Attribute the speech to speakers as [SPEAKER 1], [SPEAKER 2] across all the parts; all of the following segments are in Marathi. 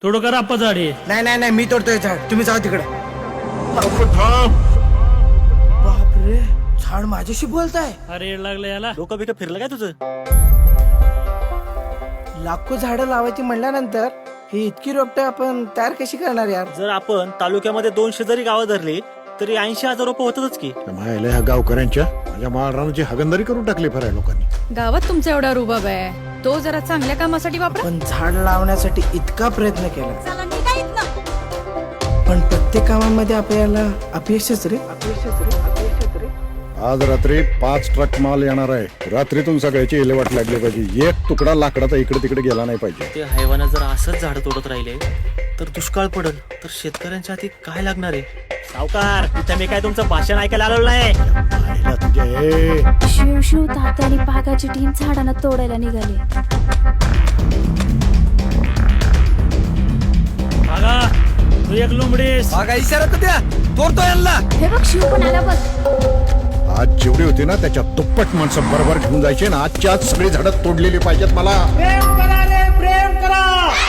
[SPEAKER 1] थोडं करा आप्पा झाड हे.
[SPEAKER 2] नाही नाही नाही, मी तोडतोय झाड, तुम्ही जाऊ तिकडे.
[SPEAKER 3] थांब.
[SPEAKER 2] बापरे, झाड माझ्याशी बोलताय.
[SPEAKER 1] अरे येड लागलं याला.
[SPEAKER 4] डोकं बिकं फिरलं काय तुझं?
[SPEAKER 2] लाखो झाडं लावायची म्हणल्यानंतर ही इतकी रोपटे आपण तयार कशी करणार यार?
[SPEAKER 4] जर आपण तालुक्यामध्ये 200 जरी गावं धरली तरी 80,000 रुपये होतातच की.
[SPEAKER 3] मायला ह्या गावकऱ्यांच्या माझ्या माळरानाची हागंदारी करून टाकली फराय लोकांनी.
[SPEAKER 5] गावात तुमचा एवढा रुबाब आहे, तो जरा चांगल्या कामासाठी वापरा.
[SPEAKER 2] पण झाड लावण्यासाठी इतका प्रयत्न केला,
[SPEAKER 5] चला निघायत ना.
[SPEAKER 2] पण प्रत्येक कामामध्ये आपल्याला अपयशच रे, अपयशच रे, अपयशच रे.
[SPEAKER 3] आज रात्री 5 ट्रक माल येणार आहे. रात्रीतून सगळ्याची विल्हेवाट लागली पाहिजे. एक तुकडा लाकडाचा इकडे तिकडे गेला नाही पाहिजे.
[SPEAKER 4] ते हैवानं जर असंच झाड तोडत राहिले तर दुष्काळ पडल, तर शेतकऱ्यांच्या हाती काय लागणार आहे? सावकार, इथे मी काय तुमचं भाषण ऐकायला आलो नाही.
[SPEAKER 3] पाहिला तुझ्या हे.
[SPEAKER 6] शिव शिव तात्या आणि पागाची टीम झाडांना तोडायला निघाली.
[SPEAKER 1] बघा तू एक लोंबडीस.
[SPEAKER 2] बघा इशारा तर द्या, तोडतो यांना.
[SPEAKER 6] हे बघ शिव पण आला बघ.
[SPEAKER 3] आज जेवढी होती ना त्याच्या दुप्पट माणसं बरोबर घेऊन जायचे ना. आजच्या आज सगळी झाडं तोडलेली पाहिजेत मला.
[SPEAKER 2] प्रेम करा रे, प्रेम करा.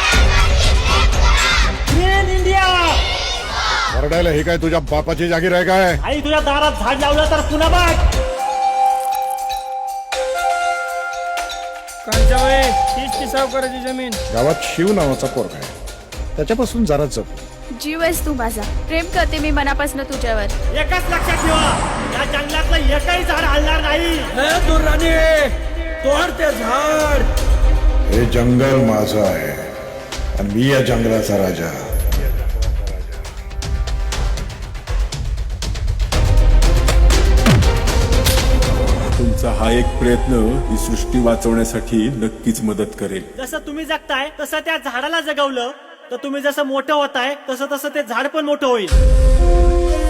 [SPEAKER 2] Green India.
[SPEAKER 3] वरडायला हे काय तुझ्या बापाची जागीर आहे काय?
[SPEAKER 4] आई तुझ्या दारात झाड लावलं तर पुन्हा बघ.
[SPEAKER 1] कांचाबाई तीच ती सावकाराची जमीन.
[SPEAKER 3] गावात शिव नावाचा पोरगा आहे, त्याच्यापासून जरा जप.
[SPEAKER 6] जीव आहेस तू माझा, प्रेम करते मी मनापासून तुझ्यावर.
[SPEAKER 4] एकच लक्षात ठेवा, या जंगलातलं एकही झाड हलणार नाही.
[SPEAKER 2] तोड ते झाड.
[SPEAKER 3] हे जंगल माझं आहे आणि मी या जंगलाचा राजा.
[SPEAKER 7] तुमचा हा एक प्रयत्न ही सृष्टी वाचवण्यासाठी नक्कीच मदत करेल.
[SPEAKER 4] जसं तुम्ही जगताय तसं त्या झाडाला जगवलं तर तुम्ही जसं मोठं होताय तसं तसं ते झाड पण मोठं होईल.